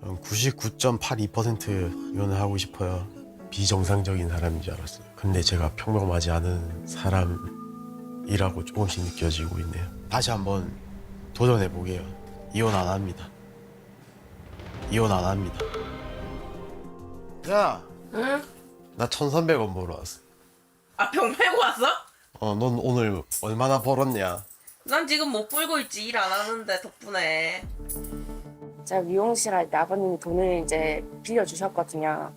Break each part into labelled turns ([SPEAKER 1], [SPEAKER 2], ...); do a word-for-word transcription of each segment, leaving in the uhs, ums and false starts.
[SPEAKER 1] 구십구 점 팔이 퍼센트 이혼을 하고 싶어요. 비정상적인 사람인 줄 알았어요. 근데 제가 평범하지 않은 사람이라고 조금씩 느껴지고 있네요. 다시 한번 도전해 보게요. 이혼 안 합니다. 이혼 안 합니다. 야,
[SPEAKER 2] 응?
[SPEAKER 1] 나 천삼백 원 벌어 왔어.
[SPEAKER 2] 아, 병 빼고 왔어?
[SPEAKER 1] 어, 넌 오늘 얼마나 벌었냐?
[SPEAKER 2] 난 지금 못 불고 있지. 일 안 하는데 덕분에.
[SPEAKER 3] 제가 미용실 할 때 아버님이 돈을 이제 빌려주셨거든요.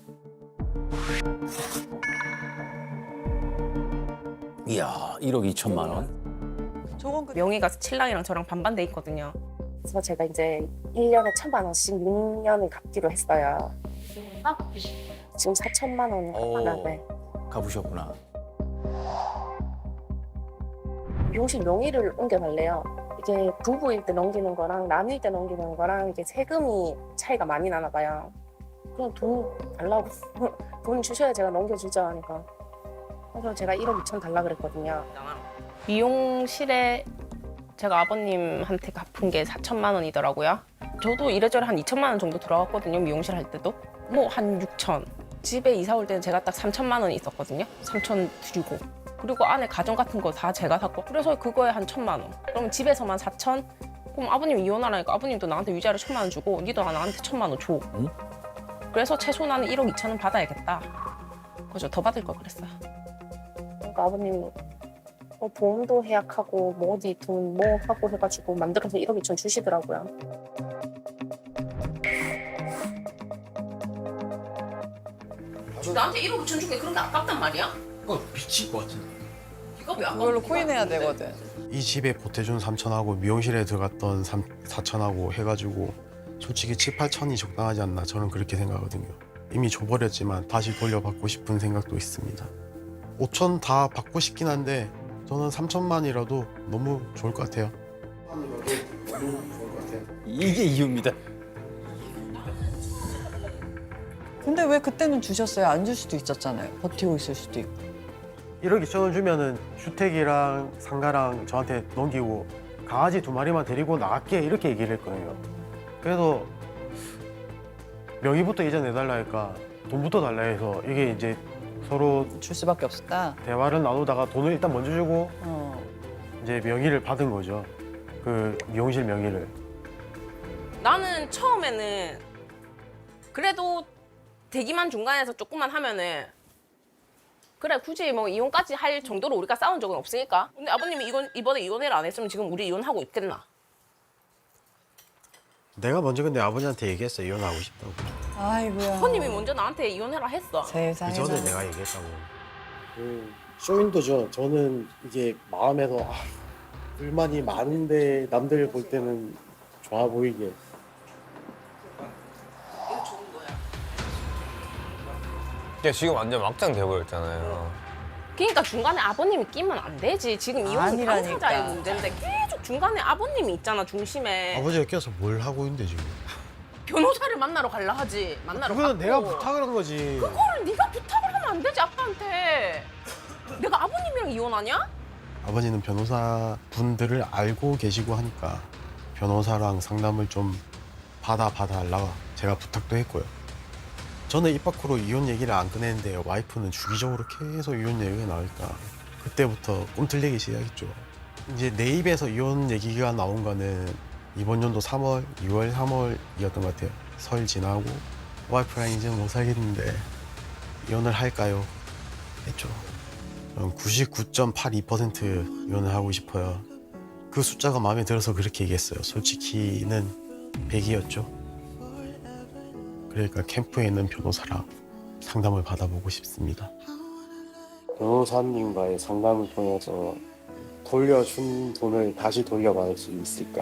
[SPEAKER 4] 이야, 일억 이천만 원?
[SPEAKER 5] 저건 그
[SPEAKER 3] 명의가 신랑이랑 저랑 반반 돼 있거든요. 그래서 제가 이제 일 년에 천만 원씩 육 년을 갚기로 했어요. 지금 사천만 원
[SPEAKER 4] 오.
[SPEAKER 3] 하는데
[SPEAKER 4] 가보셨구나.
[SPEAKER 3] 미용실 명의를 옮겨달래요. 이게 부부일 때 넘기는 거랑 나눌 때 넘기는 거랑 이게 세금이 차이가 많이 나나 봐요. 그냥 돈 달라고 돈 주셔야 제가 넘겨주죠 하니까. 그래서 제가 일억 이천 달라 그랬거든요. 미용실에 제가 아버님한테 갚은 게 사천만 원이더라고요. 저도 이래저래 한 이천만 원 정도 들어갔거든요. 미용실 할 때도. 뭐 한 육천. 집에 이사 올 때는 제가 딱 삼천만 원이 있었거든요. 삼천 드리고. 그리고 안에 가전 같은 거 다 제가 샀고. 그래서 그거에 한 천만 원. 그럼 집에서만 사천? 그럼 아버님 이혼하라니까 아버님도 나한테 위자료 천만 원 주고 니도 나한테 천만 원 줘.
[SPEAKER 4] 응?
[SPEAKER 3] 그래서 최소 나는 일억 이천은 받아야겠다. 그죠? 더 받을 걸 그랬어요. 그러니까 아버님이 뭐 보험도 해약하고 뭐 어디 돈 뭐 하고 해가지고 만들어서 일억 이천 주시더라고요.
[SPEAKER 2] 나한테 일억 이천 주게 그런 게 아깝단 말이야?
[SPEAKER 1] 이거 미칠 것 같은데.
[SPEAKER 2] 이거 왜 아깝
[SPEAKER 5] 그걸로 코인 해야 되거든.
[SPEAKER 1] 이 집에 보태준 삼천하고 미용실에 들어갔던 사천하고 해가지고 솔직히 칠, 팔천이 적당하지 않나 저는 그렇게 생각하거든요. 이미 줘버렸지만 다시 돌려받고 싶은 생각도 있습니다. 오천 다 받고 싶긴 한데 저는 삼천만이라도 너무 좋을 것 같아요. 너무 좋을 것 같아요.
[SPEAKER 4] 이게 이유입니다.
[SPEAKER 5] 근데 왜 그때는 주셨어요? 안 줄 수도 있었잖아요. 버티고 있을 수도 있고.
[SPEAKER 1] 일억 이천 원 주면은 주택이랑 상가랑 저한테 넘기고 강아지 두 마리만 데리고 나갈게 이렇게 얘기를 했거든요. 그래서 명의부터 이자 내달라 하니까 돈부터 달라 해서 이게 이제 서로
[SPEAKER 5] 줄 수밖에 없었다.
[SPEAKER 1] 대화를 나누다가 돈을 일단 먼저 주고
[SPEAKER 5] 어.
[SPEAKER 1] 이제 명의를 받은 거죠. 그 미용실 명의를.
[SPEAKER 2] 나는 처음에는 그래도 대기만 중간에서 조금만 하면은 그래 굳이 뭐 이혼까지 할 정도로 우리가 싸운 적은 없으니까. 근데 아버님이 이건 이번에 이혼을 안 했으면 지금 우리 이혼하고 있겠나?
[SPEAKER 1] 내가 먼저 근데 아버지한테 얘기했어 이혼하고 싶다고.
[SPEAKER 5] 아이고야.
[SPEAKER 2] 아버님이 먼저 나한테 이혼해라 했어.
[SPEAKER 5] 세상에.
[SPEAKER 1] 그 전에 내가 얘기했다고. 그 쇼윈도죠. 저는 이게 마음에서 아, 불만이 많은데 남들 볼 때는 좋아 보이게.
[SPEAKER 6] 야, 지금 완전 막장 돼버렸잖아요.
[SPEAKER 2] 그러니까 중간에 아버님이 끼면 안 되지. 지금 이혼은
[SPEAKER 5] 아니라니까.
[SPEAKER 2] 당사자의 문제인데 계속 중간에 아버님이 있잖아 중심에.
[SPEAKER 1] 아버지가 껴서 뭘 하고 있는데 지금?
[SPEAKER 2] 변호사를 만나러 갈라 하지. 만나러
[SPEAKER 1] 그거는
[SPEAKER 2] 갔고.
[SPEAKER 1] 내가 부탁을 한 거지.
[SPEAKER 2] 그거를 네가 부탁을 하면 안 되지 아빠한테. 내가 아버님이랑 이혼하냐?
[SPEAKER 1] 아버지는 변호사 분들을 알고 계시고 하니까 변호사랑 상담을 좀 받아 봐달라고 제가 부탁도 했고요. 저는 입 밖으로 이혼 얘기를 안 꺼내는데 와이프는 주기적으로 계속 이혼 얘기가 나오니까 그때부터 꿈틀리기 시작했죠. 이제 내 입에서 이혼 얘기가 나온 거는 이번 연도 삼월, 유월, 삼월이었던 것 같아요. 설 지나고 와이프랑 이제 못 살겠는데 이혼을 할까요? 했죠. 구십구 점 팔이 퍼센트 이혼을 하고 싶어요. 그 숫자가 마음에 들어서 그렇게 얘기했어요. 솔직히는 백이었죠. 그러니까 캠프에 있는 변호사랑 상담을 받아보고 싶습니다. 변호사님과의 상담을 통해서 돌려준 돈을 다시 돌려받을 수 있을까?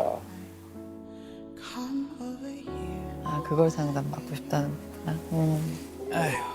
[SPEAKER 5] 아, 그걸 상담 받고 싶다는 거구나. 음.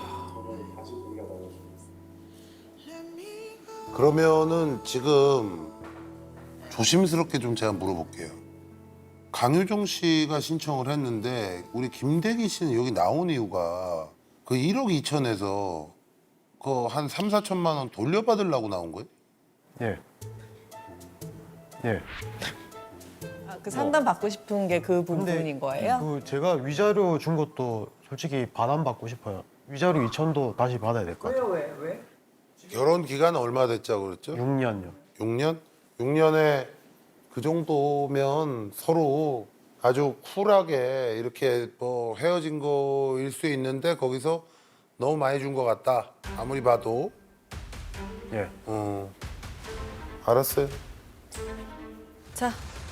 [SPEAKER 7] 그러면은 지금 조심스럽게 좀 제가 물어볼게요. 강유정 씨가 신청을 했는데 우리 김대기 씨는 여기 나온 이유가 그 일억 이천에서 그 한 삼, 사천만 원 돌려받으려고 나온 거예요?
[SPEAKER 1] 예. 예.
[SPEAKER 5] 그 상담 받고 싶은 게 그
[SPEAKER 1] 근데
[SPEAKER 5] 부분인 거예요?
[SPEAKER 1] 그 제가 위자료 준 것도 솔직히 반환받고 싶어요. 위자료 이천도 다시 받아야 될 것 같아요.
[SPEAKER 5] 왜 왜?
[SPEAKER 7] 결혼 기간 얼마 됐자고 그랬죠?
[SPEAKER 1] 육 년요.
[SPEAKER 7] 육 년? 육 년에 그 정도면 서로 아주 쿨하게 이렇게 뭐 헤어진 거일 수 있는데 거기서 너무 많이 준 것 같다. 아무리 봐도.
[SPEAKER 1] 예.
[SPEAKER 7] 어. 알았어요.
[SPEAKER 5] 자,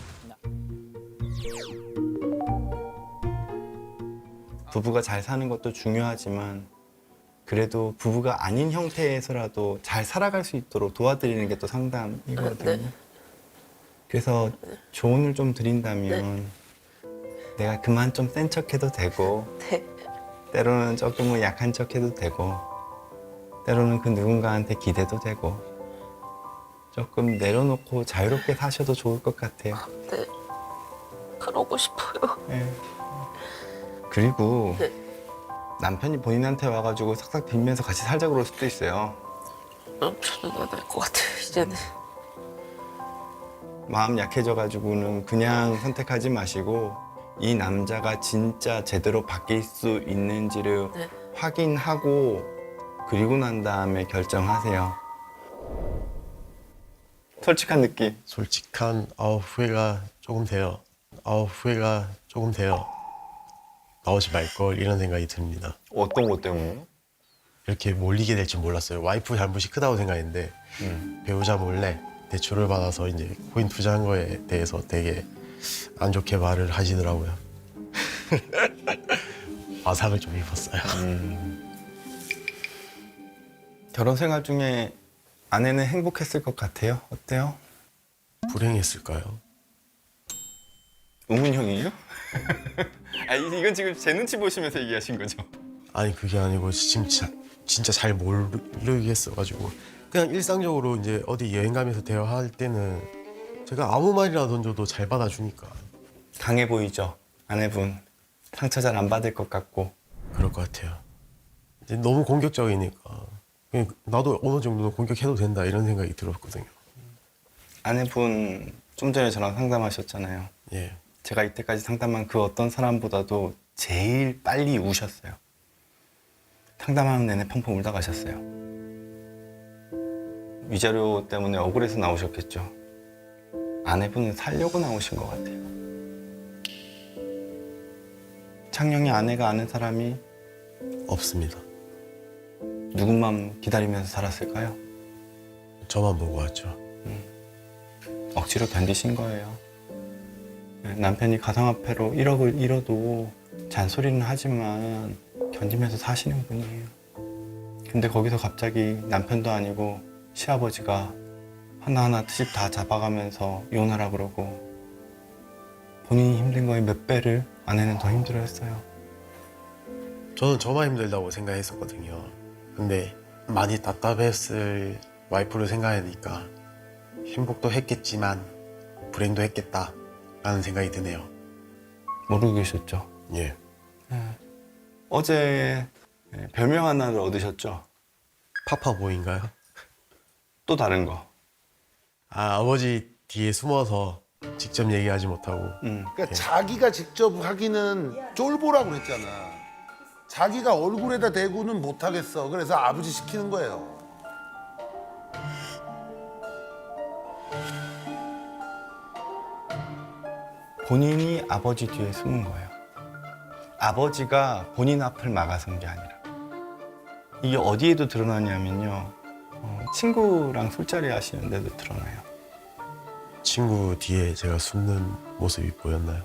[SPEAKER 8] 부부가 잘 사는 것도 중요하지만 그래도 부부가 아닌 형태에서라도 잘 살아갈 수 있도록 도와드리는 게 또 상담이거든요.
[SPEAKER 2] 네.
[SPEAKER 8] 그래서 조언을 좀 드린다면 내가 그만 좀 센 척해도 되고
[SPEAKER 2] 네.
[SPEAKER 8] 때로는 조금은 약한 척해도 되고 때로는 그 누군가한테 기대도 되고 조금 내려놓고 자유롭게 사셔도 좋을 것 같아요.
[SPEAKER 2] 네. 그러고 싶어요.
[SPEAKER 8] 네. 그리고
[SPEAKER 2] 네.
[SPEAKER 8] 남편이 본인한테 와가지고 싹싹 빌면서 같이 살자 그럴 수도 있어요.
[SPEAKER 2] 저는 안 할 것 같아요, 이제는.
[SPEAKER 8] 마음 약해져가지고는 그냥 선택하지 마시고 이 남자가 진짜 제대로 바뀔 수 있는지를
[SPEAKER 2] 네.
[SPEAKER 8] 확인하고 그리고 난 다음에 결정하세요. 솔직한 느낌.
[SPEAKER 1] 솔직한 아우 후회가 조금 돼요. 아우 후회가 조금 돼요. 나오지 말걸 이런 생각이 듭니다.
[SPEAKER 6] 어떤 것 때문에?
[SPEAKER 1] 이렇게 몰리게 될 줄 몰랐어요. 와이프 잘못이 크다고 생각했는데
[SPEAKER 8] 음.
[SPEAKER 1] 배우자 몰래 대출을 받아서 이제 코인 투자한 거에 대해서 되게 안 좋게 말을 하시더라고요. 화상을 좀 입었어요.
[SPEAKER 8] 결혼 생활 중에 아내는 행복했을 것 같아요. 어때요?
[SPEAKER 1] 불행했을까요?
[SPEAKER 8] 우문 형이에요? 아 이건 지금 제 눈치 보시면서 얘기하신 거죠?
[SPEAKER 1] 아니 그게 아니고 진짜 진짜 잘 모르겠어가지고 그냥 일상적으로 이제 어디 여행 가면서 대화할 때는 제가 아무 말이나 던져도 잘 받아주니까
[SPEAKER 8] 강해 보이죠? 아내분 상처 잘 안 받을 것 같고.
[SPEAKER 1] 그럴 것 같아요. 이제 너무 공격적이니까 그냥 나도 어느 정도는 공격해도 된다 이런 생각이 들었거든요.
[SPEAKER 8] 아내분 좀 전에 저랑 상담하셨잖아요.
[SPEAKER 1] 예.
[SPEAKER 8] 제가 이때까지 상담한 그 어떤 사람보다도 제일 빨리 우셨어요. 상담하는 내내 펑펑 울다 가셨어요. 위자료 때문에 억울해서 나오셨겠죠. 아내분은 살려고 나오신 것 같아요. 창녕이 아내가 아는 사람이
[SPEAKER 1] 없습니다.
[SPEAKER 8] 누군만 기다리면서 살았을까요?
[SPEAKER 1] 저만 보고 왔죠.
[SPEAKER 8] 억지로 견디신 거예요. 남편이 가상화폐로 일억을 잃어도 잔소리는 하지만 견디면서 사시는 분이에요. 근데 거기서 갑자기 남편도 아니고 시아버지가 하나하나 집 다 잡아가면서 이혼하라 그러고 본인이 힘든 거에 몇 배를 아내는 더 힘들어했어요.
[SPEAKER 1] 저는 저만 힘들다고 생각했었거든요. 근데 많이 답답했을 와이프를 생각하니까 행복도 했겠지만 불행도 했겠다라는 생각이 드네요.
[SPEAKER 8] 모르고 계셨죠?
[SPEAKER 1] 예.
[SPEAKER 8] 어제 별명 하나를 얻으셨죠?
[SPEAKER 1] 파파보인가요?
[SPEAKER 8] 또 다른 거.
[SPEAKER 1] 아 아버지 뒤에 숨어서 직접 얘기하지 못하고
[SPEAKER 8] 음.
[SPEAKER 7] 그러니까 자기가 직접 하기는 쫄보라고 그랬잖아. 자기가 얼굴에다 대고는 못 하겠어. 그래서 아버지 시키는 거예요.
[SPEAKER 8] 본인이 아버지 뒤에 숨은 거예요. 아버지가 본인 앞을 막아선 게 아니라. 이게 어디에도 드러나냐면요. 어, 친구랑 술자리 하시는데도 드러나요.
[SPEAKER 1] 친구 뒤에 제가 숨는 모습이 보였나요?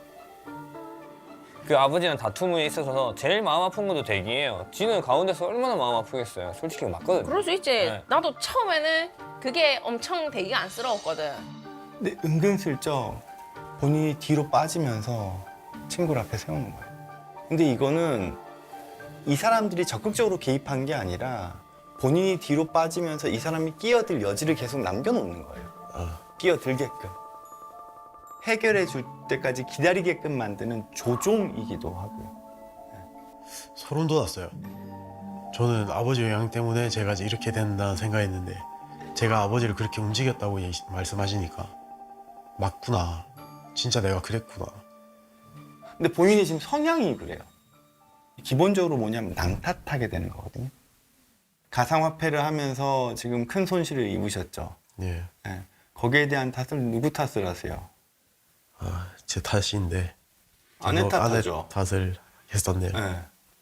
[SPEAKER 6] 그 아버지랑 다툼에 있어서 제일 마음 아픈 것도 대기예요. 지는 가운데서 얼마나 마음 아프겠어요. 솔직히 맞거든요.
[SPEAKER 2] 그럴 수 있지.
[SPEAKER 6] 네.
[SPEAKER 2] 나도 처음에는 그게 엄청 되게 안쓰러웠거든.
[SPEAKER 8] 근데 은근슬쩍 본인이 뒤로 빠지면서 친구를 앞에 세우는 거예요. 근데 이거는 이 사람들이 적극적으로 개입한 게 아니라 본인이 뒤로 빠지면서 이 사람이 끼어들 여지를 계속 남겨놓는 거예요.
[SPEAKER 1] 아,
[SPEAKER 8] 끼어들게끔. 해결해 줄 때까지 기다리게끔 만드는 조종이기도 하고요.
[SPEAKER 1] 소름 돋았어요. 저는 아버지 영향 때문에 제가 이제 이렇게 된다 생각했는데 제가 아버지를 그렇게 움직였다고 얘기- 말씀하시니까 맞구나. 진짜 내가 그랬구나.
[SPEAKER 8] 근데 본인이 지금 성향이 그래요. 기본적으로 뭐냐면 남 탓하게 되는 거거든요. 가상화폐를 하면서 지금 큰 손실을 입으셨죠.
[SPEAKER 1] 예.
[SPEAKER 8] 예. 거기에 대한 탓을 누구 탓을 하세요?
[SPEAKER 1] 아, 제 탓인데
[SPEAKER 8] 아내
[SPEAKER 1] 제가 아내
[SPEAKER 8] 탓하죠.
[SPEAKER 1] 탓을 했었네요.
[SPEAKER 8] 예.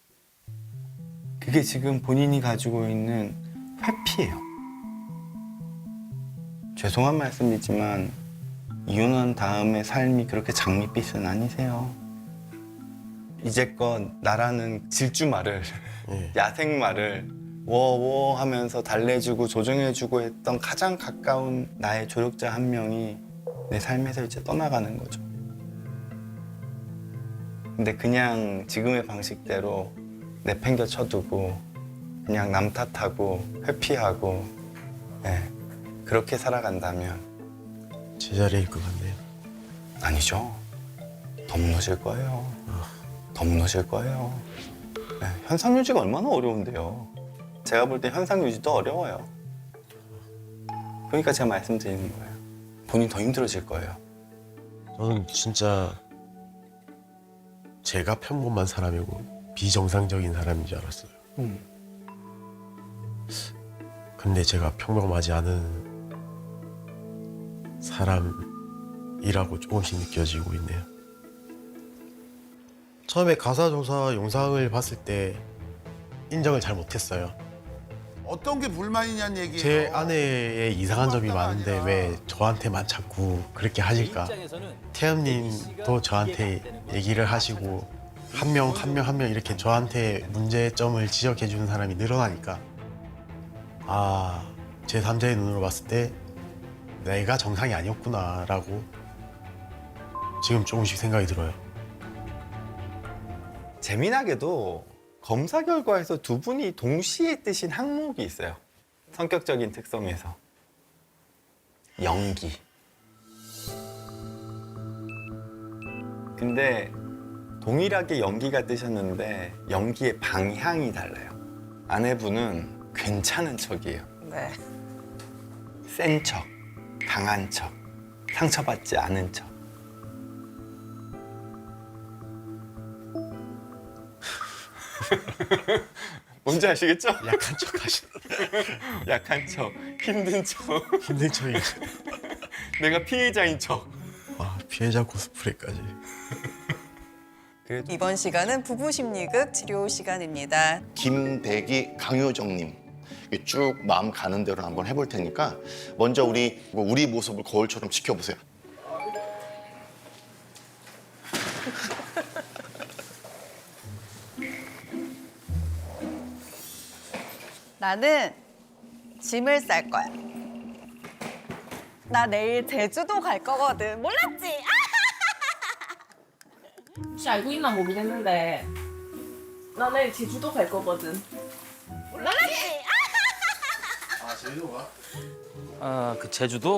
[SPEAKER 8] 그게 지금 본인이 가지고 있는 회피예요. 죄송한 말씀이지만 이혼한 다음의 삶이 그렇게 장밋빛은 아니세요. 이제껏 나라는 질주말을
[SPEAKER 1] 예.
[SPEAKER 8] 야생말을 워워 하면서 달래주고 조정해주고 했던 가장 가까운 나의 조력자 한 명이 내 삶에서 이제 떠나가는 거죠. 근데 그냥 지금의 방식대로 내팽겨 쳐두고 그냥 남 탓하고 회피하고 예, 그렇게 살아간다면
[SPEAKER 1] 제자리일 것 같네요.
[SPEAKER 8] 아니죠. 더 무너질 거예요. 더 무너질 거예요. 예, 현상 유지가 얼마나 어려운데요. 제가 볼 때 현상 유지도 어려워요. 그러니까 제가 말씀드리는 거예요. 본인 더 힘들어질 거예요.
[SPEAKER 1] 저는 진짜 제가 평범한 사람이고 비정상적인 사람인 줄 알았어요.
[SPEAKER 8] 음.
[SPEAKER 1] 근데 제가 평범하지 않은 사람이라고 조금씩 느껴지고 있네요. 처음에 가사조사 영상을 봤을 때 인정을 잘 못했어요.
[SPEAKER 7] 어떤 게 불만이냐는 얘기예요.
[SPEAKER 1] 제 아내의 이상한 점이 많은데 왜 저한테만 자꾸 그렇게 하실까? 태연님도 저한테 얘기를 하시고 한 명 한 명 한 명 이렇게 저한테 문제점을 지적해 주는 사람이 늘어나니까 아, 제삼자의 눈으로 봤을 때 내가 정상이 아니었구나라고 지금 조금씩 생각이 들어요.
[SPEAKER 8] 재미나게도 검사 결과에서 두 분이 동시에 뜨신 항목이 있어요. 성격적인 특성에서. 연기. 근데 동일하게 연기가 뜨셨는데 연기의 방향이 달라요. 아내분은 괜찮은 척이에요.
[SPEAKER 5] 네.
[SPEAKER 8] 센 척, 강한 척, 상처받지 않은 척. 뭔지 아시겠죠?
[SPEAKER 1] 약한 척 하시는
[SPEAKER 8] 약한 척, 힘든 척,
[SPEAKER 1] 힘든 척이
[SPEAKER 8] 내가 피해자인 척.
[SPEAKER 1] 아, 피해자 코스프레까지.
[SPEAKER 8] 그래도
[SPEAKER 5] 이번 시간은 부부 심리극 치료 시간입니다.
[SPEAKER 9] 김대기, 강효정님 쭉 마음 가는 대로 한번 해볼 테니까 먼저 우리 우리 모습을 거울처럼 지켜보세요.
[SPEAKER 5] 나는 짐을 쌀 거야. 나 내일 제주도 갈 거거든. 몰랐지?
[SPEAKER 2] 혹시 알고 있나 모르겠는데 나 내일 제주도 갈 거거든.
[SPEAKER 4] 아, 그 제주도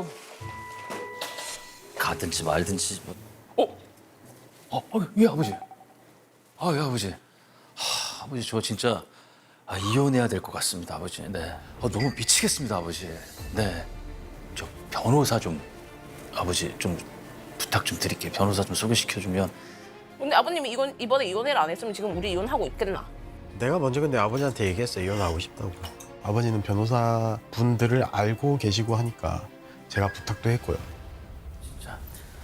[SPEAKER 4] 가든지 말든지 뭐. 어? 어, 어, 예, 아버지. 아, 예, 아버지. 하, 아버지 저 진짜 아, 이혼해야 될 것 같습니다, 아버지. 네. 아, 너무 미치겠습니다, 아버지. 네. 저 변호사 좀 아버지 좀 부탁 좀 드릴게요. 변호사 좀 소개시켜 주면.
[SPEAKER 2] 근데 아버님이 이건 이번에 이혼을 안 했으면 지금 우리 이혼하고 있겠나?
[SPEAKER 1] 내가 먼저 근데 아버지한테 얘기했어요. 이혼하고 싶다고. 아버지는 변호사 분들을 알고 계시고 하니까 제가 부탁도 했고요.
[SPEAKER 4] 진짜.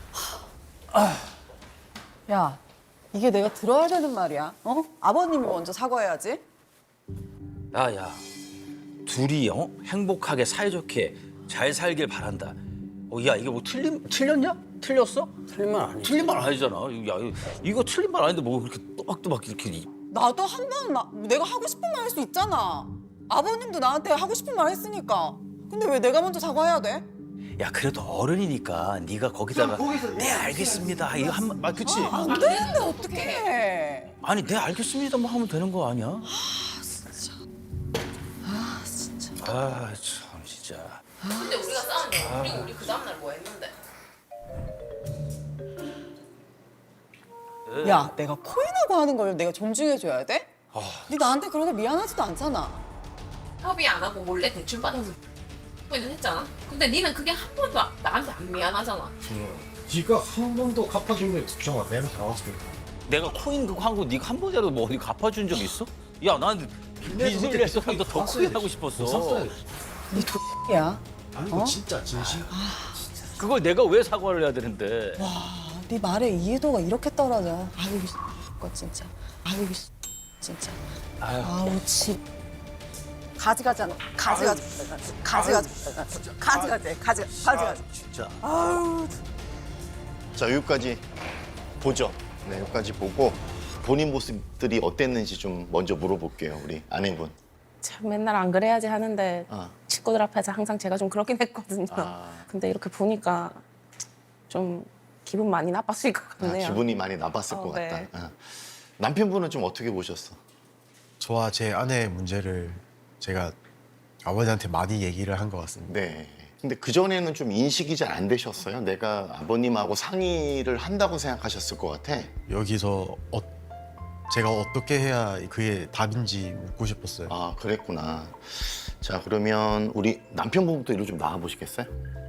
[SPEAKER 5] 야, 이게 내가 들어야 되는 말이야. 어? 아버님이 먼저 사과해야지.
[SPEAKER 4] 야, 야. 둘이 어? 행복하게 사이좋게 잘 살길 바란다. 어, 야, 이게 뭐 틀린 틀렸냐? 틀렸어?
[SPEAKER 6] 틀린 말 아니지.
[SPEAKER 4] 틀린 말 아니잖아. 야, 이거, 이거 틀린 말 아닌데 뭐 그렇게 또박또박 이렇게. 이-
[SPEAKER 5] 나도 한 번 내가 하고 싶은 말 할 수 있잖아. 아버님도 나한테 하고 싶은 말 했으니까. 근데 왜 내가 먼저 사과해야 돼?
[SPEAKER 4] 야, 그래도 어른이니까 네가 거기다가 네 알겠습니다. 이거 한 말, 아, 그치?
[SPEAKER 5] 안 되는데 어떡해.
[SPEAKER 4] 아니, 네 알겠습니다. 뭐 하면 되는 거 아니야?
[SPEAKER 5] 아, 진짜.
[SPEAKER 4] 아, 참 진짜.
[SPEAKER 2] 근데 우리가 싸웠는데 그리고 우리 그 다음날 뭐 했는데?
[SPEAKER 5] 야, 내가 코인하고 하는 걸 내가 존중해줘야 돼? 네 나한테 그러다 미안하지도 않잖아.
[SPEAKER 2] 협의 안 하고 몰래 대출 받아서 포인트 했잖아. 근데 니는 그게 한 번도 아- 나한테 안 미안하잖아.
[SPEAKER 1] 네가 한 번도 갚아준 게 걱정아. 내가 당황했어.
[SPEAKER 4] 내가 코인 그거 한 거 네가 한 번이라도 뭐 어디 갚아준 적 있어? 야, 난 빚을 냈어도 더 크게 하고 싶었어.
[SPEAKER 5] 야,
[SPEAKER 1] 아니 이거 진짜 진심.
[SPEAKER 4] 그걸 내가 왜 사과를 해야 되는데?
[SPEAKER 5] 네 말에 이해도가 이렇게 떨어져. 아유, 거 진짜. 아유, 진짜. 아우, 참. 가지가지 하는 가지가지 가지가지 가지가지 가지가지 가지가지
[SPEAKER 4] 진짜.
[SPEAKER 9] 자, 여기까지 보죠. 네, 여기까지 보고 본인 모습들이 어땠는지 좀 먼저 물어볼게요, 우리 아내분.
[SPEAKER 3] 참 맨날 안 그래야지 하는데
[SPEAKER 9] 아.
[SPEAKER 3] 친구들 앞에서 항상 제가 좀 그렇긴 했거든요.
[SPEAKER 9] 아.
[SPEAKER 3] 근데 이렇게 보니까 좀 기분 많이 나빴을 것
[SPEAKER 9] 아,
[SPEAKER 3] 같네요.
[SPEAKER 9] 기분이 많이 나빴을
[SPEAKER 3] 어,
[SPEAKER 9] 것
[SPEAKER 3] 네.
[SPEAKER 9] 같다. 아. 남편분은 좀 어떻게 보셨어?
[SPEAKER 1] 저와 제 아내의 문제를 제가 아버지한테 많이 얘기를 한 것 같습니다.
[SPEAKER 9] 네. 근데 그전에는 좀 인식이 잘 안 되셨어요? 내가 아버님하고 상의를 한다고 생각하셨을 것 같아.
[SPEAKER 1] 여기서 어, 제가 어떻게 해야 그게 답인지 묻고 싶었어요.
[SPEAKER 9] 아, 그랬구나. 자, 그러면 우리 남편분부터 이리로 좀 나와 보시겠어요?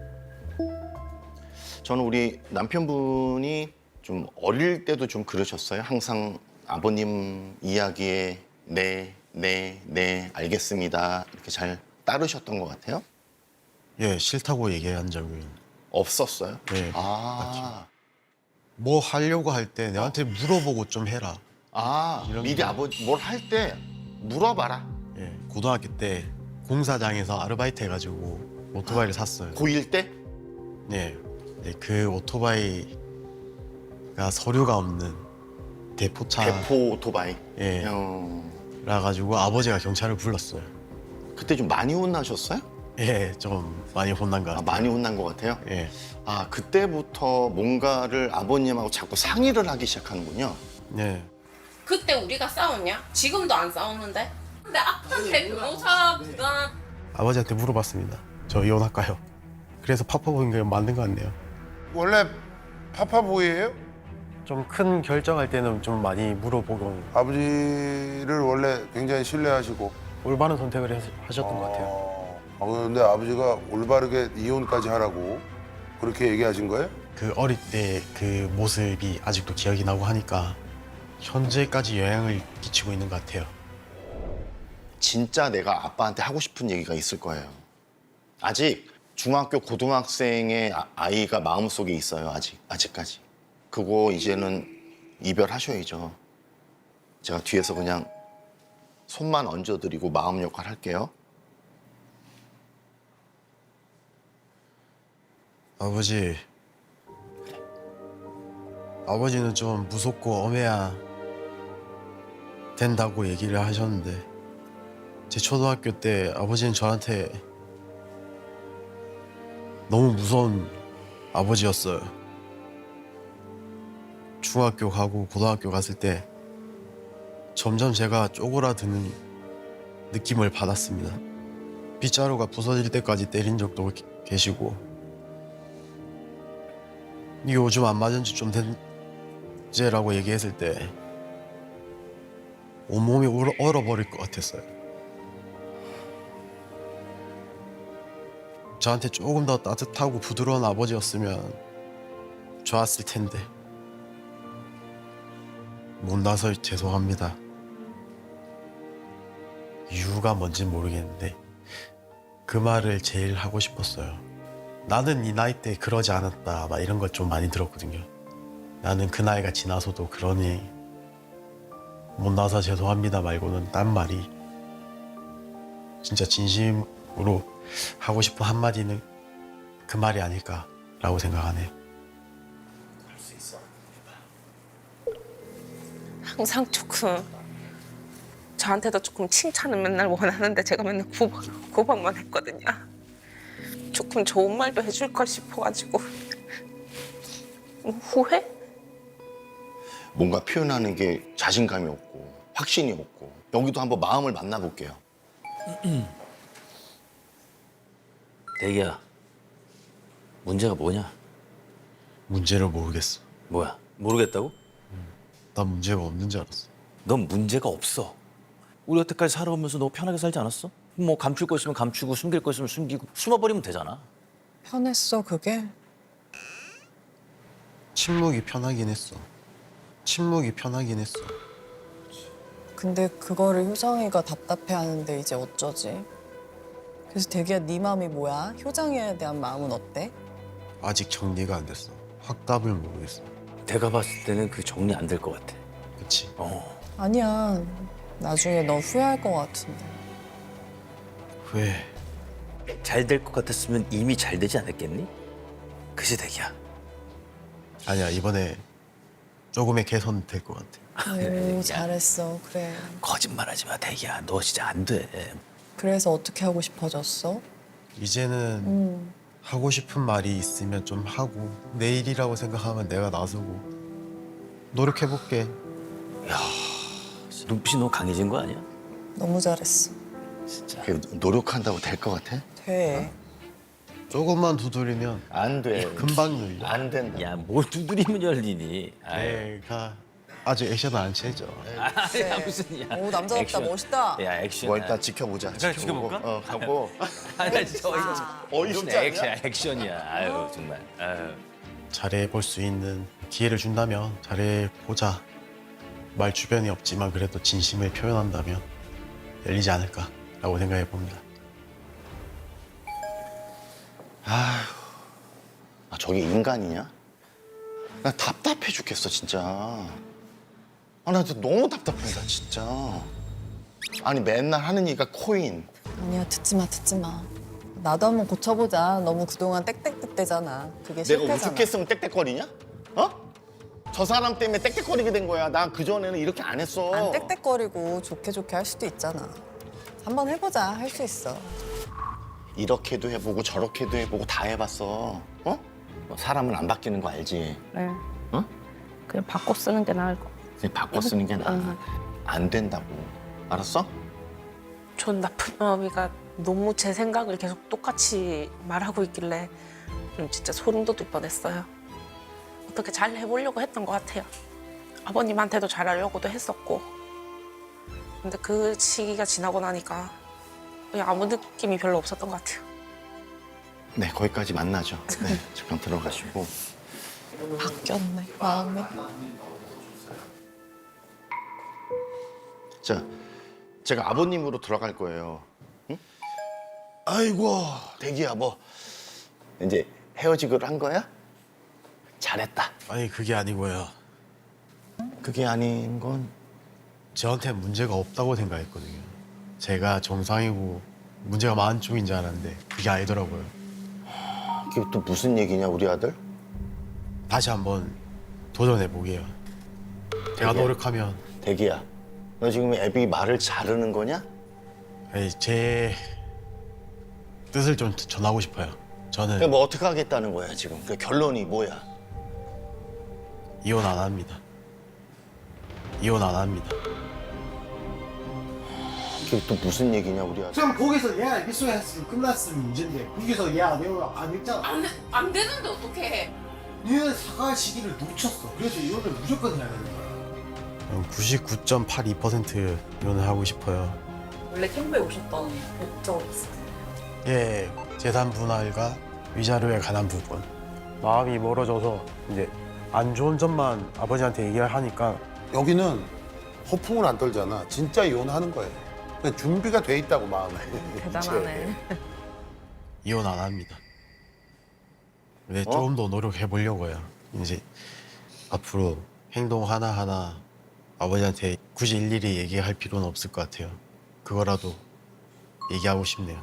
[SPEAKER 9] 저는 우리 남편분이 좀 어릴 때도 좀 그러셨어요. 항상 아버님 이야기에 네, 네, 네, 알겠습니다. 이렇게 잘 따르셨던 것 같아요.
[SPEAKER 1] 예, 싫다고 얘기한 적은
[SPEAKER 9] 없었어요?
[SPEAKER 1] 네,
[SPEAKER 9] 아,
[SPEAKER 1] 뭐 하려고 할 때 내한테 물어보고 좀 해라.
[SPEAKER 9] 아,
[SPEAKER 1] 이런
[SPEAKER 9] 미리
[SPEAKER 1] 거.
[SPEAKER 9] 아버지 뭘 할 때 물어봐라.
[SPEAKER 1] 예, 고등학교 때 공사장에서 아르바이트 해가지고 오토바이를 샀어요.
[SPEAKER 9] 고일 때?
[SPEAKER 1] 예, 네, 그 오토바이가 서류가 없는 대포차
[SPEAKER 9] 대포 오토바이.
[SPEAKER 1] 예,
[SPEAKER 9] 어,
[SPEAKER 1] 라 가지고 아버지가 경찰을 불렀어요.
[SPEAKER 9] 그때 좀 많이 혼나셨어요?
[SPEAKER 1] 예, 좀 많이 혼난 것
[SPEAKER 9] 아,
[SPEAKER 1] 같아요.
[SPEAKER 9] 많이 혼난 것 같아요?
[SPEAKER 1] 예,
[SPEAKER 9] 아, 그때부터 뭔가를 아버님하고 자꾸 상의를 하기 시작하는군요.
[SPEAKER 1] 예.
[SPEAKER 2] 그때 우리가 싸웠냐? 지금도 안 싸웠는데? 근데 아빠한테 변호사 부담
[SPEAKER 1] 아버지한테 물어봤습니다. 저 이혼할까요? 그래서 파파보인 게 맞는 것 같네요.
[SPEAKER 7] 원래 파파보이예요?
[SPEAKER 1] 좀 큰 결정할 때는 좀 많이 물어보고
[SPEAKER 7] 아버지를 원래 굉장히 신뢰하시고.
[SPEAKER 1] 올바른 선택을 하- 하셨던 것 같아요.
[SPEAKER 7] 어, 아, 그런데 아버지가 올바르게 이혼까지 하라고 그렇게 얘기하신 거예요?
[SPEAKER 1] 그 어릴 때 그 모습이 아직도 기억이 나고 하니까 현재까지 영향을 끼치고 있는 것 같아요.
[SPEAKER 9] 진짜 내가 아빠한테 하고 싶은 얘기가 있을 거예요. 아직 중학교, 고등학생의 아- 아이가 마음속에 있어요. 아직, 아직까지. 그거 이제는 이별하셔야죠. 제가 뒤에서 그냥 손만 얹어드리고 마음 역할 할게요.
[SPEAKER 1] 아버지, 아버지는 좀 무섭고 엄해야 된다고 얘기를 하셨는데 제 초등학교 때 아버지는 저한테 너무 무서운 아버지였어요. 중학교 가고 고등학교 갔을 때 점점 제가 쪼그라드는 느낌을 받았습니다. 빗자루가 부서질 때까지 때린 적도 게- 계시고 이게 요즘 안 맞은 지 좀 된제라고 얘기했을 때 온몸이 얼어, 얼어버릴 것 같았어요. 저한테 조금 더 따뜻하고 부드러운 아버지였으면 좋았을 텐데 못나서 죄송합니다. 이유가 뭔진 모르겠는데 그 말을 제일 하고 싶었어요. 나는 네 나이 때 그러지 않았다 막 이런 걸 좀 많이 들었거든요. 나는 그 나이가 지나서도 그러니 못나서 죄송합니다 말고는 딴 말이 진짜 진심으로 하고 싶은 한마디는 그 말이 아닐까라고 생각하네요.
[SPEAKER 3] 항상 조금 저한테도 조금 칭찬을 맨날 원하는데 제가 맨날 구박, 구박만 했거든요. 조금 좋은 말도 해줄 걸 싶어가지고 후회?
[SPEAKER 9] 뭔가 표현하는 게 자신감이 없고 확신이 없고 여기도 한번 마음을 만나볼게요.
[SPEAKER 4] 대기야, 문제가 뭐냐?
[SPEAKER 1] 문제를 모르겠어.
[SPEAKER 4] 뭐야? 모르겠다고?
[SPEAKER 1] 난 문제가 없는 줄 알았어.
[SPEAKER 4] 넌 문제가 없어. 우리 여태까지 살아오면서 너 편하게 살지 않았어? 뭐 감출 거 있으면 감추고 숨길 거 있으면 숨기고 숨어버리면 되잖아.
[SPEAKER 5] 편했어 그게?
[SPEAKER 1] 침묵이 편하긴 했어. 침묵이 편하긴 했어.
[SPEAKER 5] 근데 그거를 효정이가 답답해하는데 이제 어쩌지? 그래서 대기야 네 마음이 뭐야? 효정이에 대한 마음은 어때?
[SPEAKER 1] 아직 정리가 안 됐어. 확답을 모르겠어.
[SPEAKER 4] 내가 봤을 때는 그 정리 안 될 것 같아.
[SPEAKER 1] 그치?
[SPEAKER 4] 어.
[SPEAKER 5] 아니야. 나중에 너 후회할 것 같은데.
[SPEAKER 1] 왜?
[SPEAKER 4] 잘 될 것 같았으면 이미 잘 되지 않았겠니? 그지 대기야.
[SPEAKER 1] 아니야, 이번에 조금의 개선 될 것 같아.
[SPEAKER 5] 오, 잘했어. 그래.
[SPEAKER 4] 거짓말하지 마 대기야. 너 진짜 안 돼.
[SPEAKER 5] 그래서 어떻게 하고 싶어졌어?
[SPEAKER 1] 이제는
[SPEAKER 5] 음.
[SPEAKER 1] 하고 싶은 말이 있으면 좀 하고 내일이라고 생각하면 내가 나서고 노력해볼게.
[SPEAKER 4] 눈빛이 너무 강해진 거 아니야?
[SPEAKER 5] 너무 잘했어.
[SPEAKER 4] 진짜.
[SPEAKER 9] 그 노력한다고 될 것 같아?
[SPEAKER 5] 돼.
[SPEAKER 1] 조금만 두드리면
[SPEAKER 9] 안 돼.
[SPEAKER 1] 금방 열려.
[SPEAKER 9] 안 된다.
[SPEAKER 4] 야, 뭘 두드리면 열리니? 아유.
[SPEAKER 1] 내가 아직 액션은 안 채죠.
[SPEAKER 4] 아, 무슨 야.
[SPEAKER 5] 오, 남자답다.
[SPEAKER 4] 액션.
[SPEAKER 5] 멋있다.
[SPEAKER 4] 야, 액션.
[SPEAKER 9] 뭐 일단 지켜보자.
[SPEAKER 4] 그래,
[SPEAKER 9] 지켜보고.
[SPEAKER 4] 지켜볼까?
[SPEAKER 9] 어, 하고.
[SPEAKER 4] 아, 나 진짜 어이없어.
[SPEAKER 9] 어이없지 않냐?
[SPEAKER 4] 액션, 액션이야. 아유, 정말. 아유.
[SPEAKER 1] 잘해볼 수 있는 기회를 준다면 잘해보자. 말 주변이 없지만 그래도 진심을 표현한다면 열리지 않을까라고 생각해 봅니다.
[SPEAKER 9] 아, 저게 인간이냐? 나 답답해 죽겠어 진짜. 아, 나 진짜 너무 답답해다 진짜. 아니 맨날 하는 얘기가 코인.
[SPEAKER 5] 아니야, 듣지 마, 듣지 마. 나도 한번 고쳐보자. 너무 그동안 땡땡땡대잖아. 그게
[SPEAKER 9] 내가
[SPEAKER 5] 실패잖아.
[SPEAKER 9] 우습겠으면 땡땡거리냐? 어? 저 사람 때문에 땡땡거리게 된 거야. 나 그전에는 이렇게 안 했어.
[SPEAKER 5] 안 땡땡거리고 좋게 좋게 할 수도 있잖아. 한번 해보자. 할 수 있어.
[SPEAKER 9] 이렇게도 해보고 저렇게도 해보고 다 해봤어. 어? 뭐 사람은 안 바뀌는 거 알지?
[SPEAKER 3] 네.
[SPEAKER 9] 어?
[SPEAKER 3] 그냥 바꿔 쓰는 게 나을 것.
[SPEAKER 9] 그냥 바꿔 쓰는 게 나아. 안 된다고. 알았어?
[SPEAKER 2] 전 나쁜 마음이가 너무 제 생각을 계속 똑같이 말하고 있길래 좀 진짜 소름 돋을 뻔했어요. 어떻게 잘 해보려고 했던 것 같아요. 아버님한테도 잘하려고도 했었고. 근데 그 시기가 지나고 나니까 그냥 아무 느낌이 별로 없었던 것 같아요.
[SPEAKER 9] 네, 거기까지 만나죠. 네, 잠깐 들어가시고.
[SPEAKER 5] 바뀌었네, 마음이.
[SPEAKER 9] 자, 제가 아버님으로 들어갈 거예요. 응? 아이고, 대기야, 뭐 이제 헤어지기로 한 거야? 잘했다.
[SPEAKER 1] 아니 그게 아니고요.
[SPEAKER 9] 그게 아닌 건
[SPEAKER 1] 저한테 문제가 없다고 생각했거든요. 제가 정상이고 문제가 많은 쪽인 줄 알았는데 그게 아니더라고요.
[SPEAKER 9] 이게 또 무슨 얘기냐, 우리 아들?
[SPEAKER 1] 다시 한번 도전해 보게요. 제가
[SPEAKER 9] 되게-
[SPEAKER 1] 노력하면
[SPEAKER 9] 대기야, 너 지금 애비 말을 자르는 거냐?
[SPEAKER 1] 아니, 제 뜻을 좀 전하고 싶어요. 저는
[SPEAKER 9] 그럼 뭐 어떻게 하겠다는 거야 지금? 그 결론이 뭐야?
[SPEAKER 1] 이혼 안 합니다. 이혼 안 합니다.
[SPEAKER 9] 이게 또 무슨 얘기냐, 우리 아들?
[SPEAKER 10] 그럼 거기서 얘가 입소했으면 끝났으면 문제인데 거기서 얘가 내가 안 했잖아.
[SPEAKER 2] 안, 안 되는데 어떡해.
[SPEAKER 10] 얘는 사과할 시기를 놓쳤어. 그래서 이혼을 무조건 해야 되는 거야.
[SPEAKER 1] 구십구 점 팔이 퍼센트 이혼을 하고 싶어요.
[SPEAKER 5] 원래 캠프에 오셨던 목적이 있어요.
[SPEAKER 1] 예, 재산 분할과 위자료에 관한 부분. 마음이 멀어져서 이제 안 좋은 점만 아버지한테 얘기를 하니까
[SPEAKER 7] 여기는 허풍을 안 떨잖아. 진짜 이혼하는 거예요. 그냥 준비가 돼 있다고 마음에.
[SPEAKER 2] 대단하네.
[SPEAKER 1] 이혼 안 합니다. 근데
[SPEAKER 9] 어?
[SPEAKER 1] 조금 더 노력해 보려고요. 이제 앞으로 행동 하나하나 아버지한테 굳이 일일이 얘기할 필요는 없을 것 같아요. 그거라도 얘기하고 싶네요.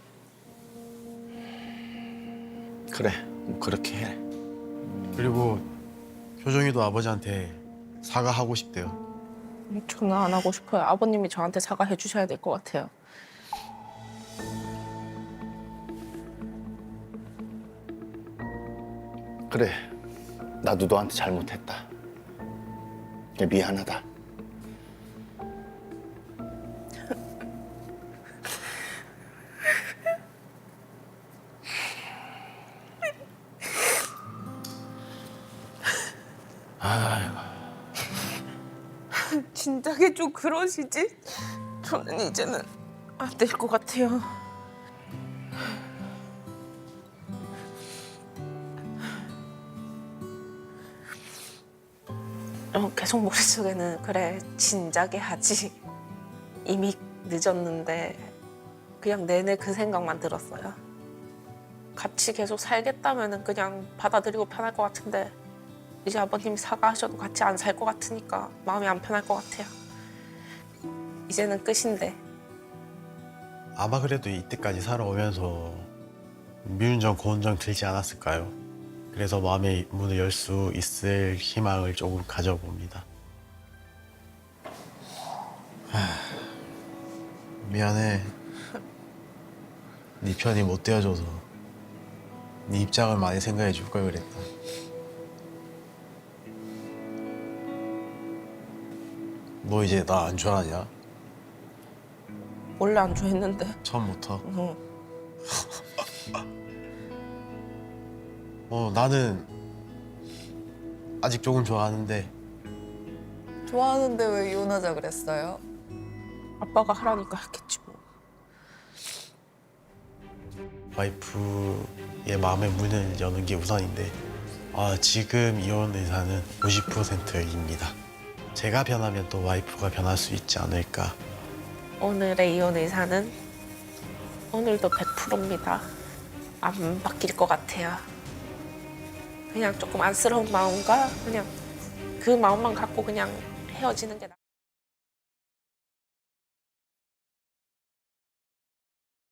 [SPEAKER 9] 그래, 뭐 그렇게 해.
[SPEAKER 1] 그리고 효정이도 아버지한테 사과하고 싶대요.
[SPEAKER 2] 저는 안 하고 싶어요. 아버님이 저한테 사과해 주셔야 될 것 같아요.
[SPEAKER 9] 그래, 나도 너한테 잘못했다. 미안하다.
[SPEAKER 2] 진작에 좀 그러시지? 저는 이제는 안 될 것 같아요.
[SPEAKER 3] 어, 계속 머릿속에는 그래 진작에 하지 이미 늦었는데 그냥 내내 그 생각만 들었어요. 같이 계속 살겠다면은 그냥 받아들이고 편할 것 같은데 이제 아버님이 사과하셔도 같이 안 살 것 같으니까 마음이 안 편할 것 같아요. 이제는 끝인데.
[SPEAKER 1] 아마 그래도 이때까지 살아오면서 미운정 고운정 들지 않았을까요? 그래서 마음의 문을 열 수 있을 희망을 조금 가져봅니다. 하, 미안해. 네 편이 못 되어줘서 네 입장을 많이 생각해 줄 걸 그랬다. 너 이제 나 안 좋아하냐?
[SPEAKER 3] 원래 안 좋아했는데.
[SPEAKER 1] 처음부터?
[SPEAKER 3] 응.
[SPEAKER 1] 어 나는 아직 조금 좋아하는데
[SPEAKER 5] 좋아하는데 왜 이혼하자 그랬어요?
[SPEAKER 3] 아빠가 하라니까 했겠지 뭐.
[SPEAKER 1] 와이프의 마음의 문을 여는 게 우선인데 아, 지금 이혼 의사는 오십 퍼센트입니다. 제가 변하면 또 와이프가 변할 수 있지 않을까.
[SPEAKER 3] 오늘의 이혼 의사는 오늘도 백 퍼센트입니다. 안 바뀔 것 같아요. 그냥 조금 안쓰러운 마음과 그냥 그 마음만 갖고 그냥 헤어지는 게 나.